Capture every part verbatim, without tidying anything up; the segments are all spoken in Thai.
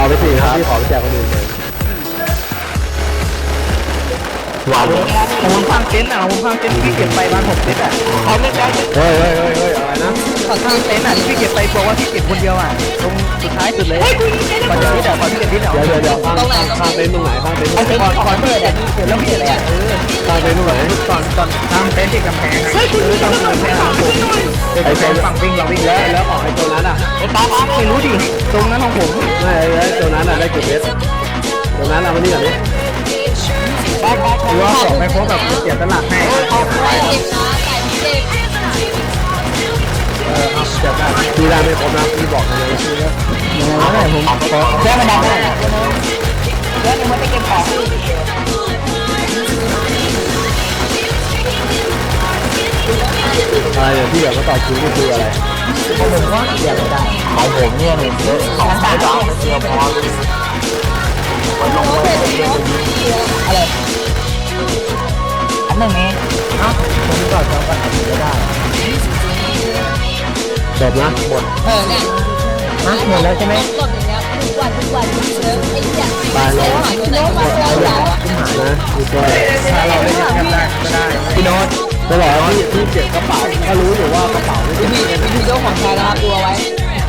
ไปสี่ครับพี่ขอไปแจกคนอื่นเลยว้าวผมข้างเต็นท์อ่ะผมข้างเต็นท์ที่เก็บไปบ้านผมเต็นท์อ่ะเขาไม่ได้เฮ้ยเฮ้ยเฮ้ยเฮ้ยอะไรนะข้างเต็นท์อ่ะที่เก็บไปบอกว่าที่เก็บคนเดียวอ่ะตรงสุดท้ายสุดเลยก่อนจะที่เดี๋ยวก่อนที่จะที่เดี๋ยวเดี๋ยวเดี๋ยวข้างข้างเต็นท์ตรงไหนข้างเต็นท์ตรงไหนก่อนก่อนเปิดอ่ะเปิดแล้วเปิดเลยอ่ะเออข้างเต็นท์ตรงไหนก่อนก่อนข้างเต็นท์ที่กำแพงเฮ้ยคุณไม่ต้องกำแพงของผมไอ้เป็นฝั่งวิ่งเราวิ่งแล้วแล้วออกไอ้ตัวนั้นอ่ะไอ้ตาไม่รู้ดิตรงนั้นของผมไม่ไอ้ตัวนั้นอ่ะได้กี่เมตรตัวนั้นเอามานี่ก่อนดิหรือว่าสองไม่ครบแบบเสียตลาดให้เออเอาจับได้พี่ได้ไม่ครบนะพี่บอกนะพี่ก็ยังไงผมขอแค่ไม่ได้แค่เดี๋ยวมันจะเก็บของอะไรเนี่ยที่อยากมาต่อคิวก็คืออะไรของผมก็เสียไม่ได้ของผมเนี่ยหนึ่งเยอะสองสามสามเดียวพอเลยวันลงเลยอะไรอันหนึ่งเองเนาะผมก็จำกันไม่ได้จบนะหมดเออเนี่ยหมดแล้วใช่ไหมหมดอย่างเงี้ยทุกวันทุกวันเชิญไอ้เหี้ยตายแล้วหาตัวไหนมาเราเรานะคือตัวถ้าเราได้แค่ได้ก็ได้พี่โน้ตจะบอกว่าพี่พี่เก็บกระเป๋าถ้ารู้อยู่ว่ากระเป๋าไม่เก็บพี่พี่เจ้าของชายนะครับดูเอาไว้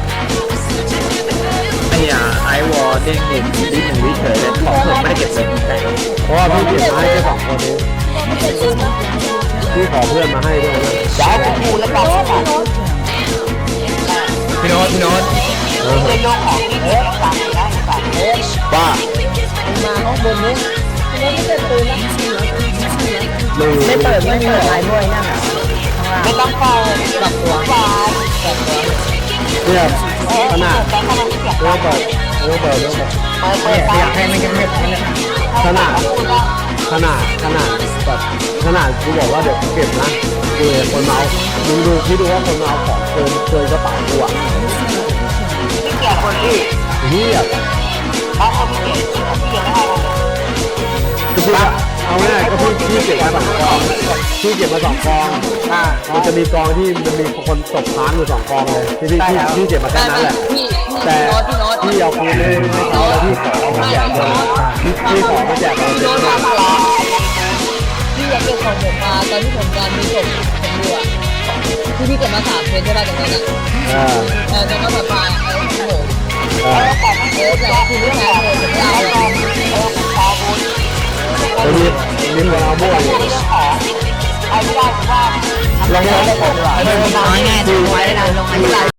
ไอ้อะไอวอลเด้งหนึ่งดิหนึ่งวิเฉยเลยของผมไม่ได้เก็บเลยแต่เพราะว่าพี่เก็บมาให้แค่สองคนนี้พี่ขอเพื่อนมาให้ด้วยนะย้ายผมพูดแล้วกันพี่โน้ตพี่โน้ตเรื่องของที่เอ๊ะสั่งได้สั่งเอ๊ะว่ามาห้องบนนี้แล้วไม่เปิดปืนนะไม่เปิดไม่เปิดไลน์ด้วยนั่นอ่ะไม่ต้องเปิดปรับตัวปรับตัวเนี่ยขนาดเรื่องเปิดเรื่องเปิดเรื่องเปิดเปิดอยากให้มันยังไม่เนี่ยขนาดขนาดขนาดแบบขนาดกูบอกว่าเดี๋ยวกูเก็บนะกูเห็นคนเมามึงดูคิดดูว่าคนเมาของเกินเกินกระเป๋ากูอ่ะที่เกี่ยวคนที่เฮียเขาเขาไม่เกี่ยวที่เกี่ยวไม่ได้คือพี่เอาง่ายก็พี่พี่เก็บมาสองกองพี่เก็บมาสองกองอ่ามันจะมีกองที่มันมีคนตกค้างอยู่สองกองเลยที่พี่พี่เก็บมาแค่นั้นแหละแต่พี่เอาคืนไม่ไม่เอาแล้วพี่ขอมาแจกเลยพี่พี่ขอมาแจกเลยพี่อยากเก็บของผมมาตอนที่ผมการมีจบผมดูอ่ะที่พี่เก็บมาสามเพนใช่ป่ะตรงนั้นอ่ะเออตรงนั้นแบบมาไอ้ผมเออแต่คือไม่ใช่เลยผมไม่เอาเลยเออนี่นี่มันเอาบ้วนไอ้ไม่ได้ว่าลงมาได้ก่อนดีกว่าง่ายๆดูไว้ได้ลงมาที่ไร